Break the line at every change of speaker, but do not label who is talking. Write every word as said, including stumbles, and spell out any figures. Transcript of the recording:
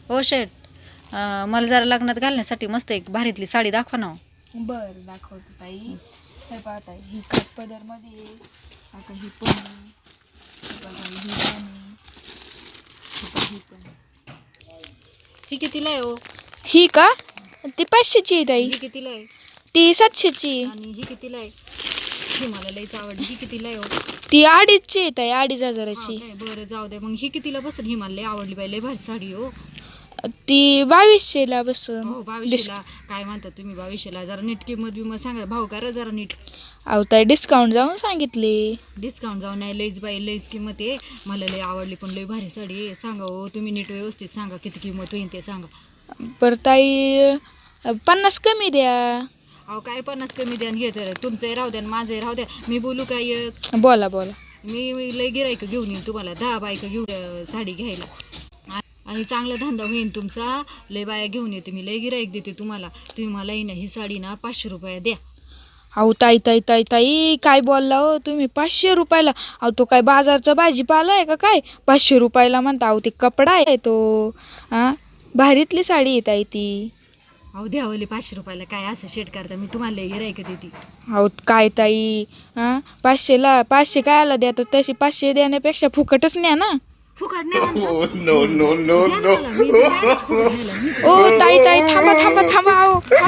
ओ शेट, अं, मला जरा लग्नात घालण्यासाठी मस्त एक भारीतली साडी दाखवा ना.
बर दाखवतो ताई. हे पाहता ही काठपदर मध्ये आता ही पण आहे. हे बघा, ही पण आहे. हे बघा, ही पण आहे.
ही कितीला आहे? ओ
ही का ती पाचशेची आहे ताई.
ही कितीला आहे?
ती सातशेची आहे.
आणि ही कितीला आहे? ही मला लईच आवडली. ही कितीला आहे? ओ
ती अडीचची आहे ताई, अडीच हजाराची.
हा काय, बरं जाऊ दे मग. ही कितीला बसेल? ही मला लई आवडली बाई, लई भारी साडी. हो
ती बावीसशेला बसन.
हो बावीसशेला. काय म्हणतात तुम्ही बावीसशेला? जरा नीट किंमत बिमत सांगा, भाऊ करा जरा नीट.
अहो ताई डिस्काउंट जाऊन सांगितले.
डिस्काउंट जाऊन नाही, लईच बाई लईच किंमत आहे. मला लई आवडली पण लई भारी साडी आहे. सांगा हो तुम्ही नीट व्यवस्थित सांगा, किती किंमत होईल ते सांगा.
बरं ताई पन्नास कमी द्या.
अहो काय पन्नास कमी द्या आणि घेत तुमचंही राहू द्या आणि माझंही राहू द्या. मी बोलू काय एक?
बोला बोला.
मी मी लई गिरायक घेऊन येईन तुम्हाला, दहा बायका घेऊन अं, साडी घ्यायला. आ- आणि चांगला धंदा होईल तुमचा. लई बाया घेऊन येते मी, लई गिरायक देते तुम्हाला. तुम्ही मला ही ना ही साडी ना पाचशे रुपये द्या.
अहो ताई ताई ताई ताई काय बोलला हो तुम्ही? पाचशे रुपयाला? अहो तो काय बाजारचा भाजीपाला आहे का काय? पाचशे रुपयाला म्हणता? अहो ते कपडा आहे तो. हां भारीतली साडी आहे ताई ती.
अहो द्यावले पाचशे रुपयाला काय असं शेट करता? मी तुम्हाला लई गिरायक देते.
अहो काय ताई, हां पाचशेला पाचशे काय आला द्या, तर तशी पाचशे देण्यापेक्षा फुकटच न्या ना.
फुकट नाही म्हणता?
no, no, no,
द्या ना मला, मी द्या ना फुकट न्यायला. मी
ओ ताई ताई थांबा थांबा थांबा. अहो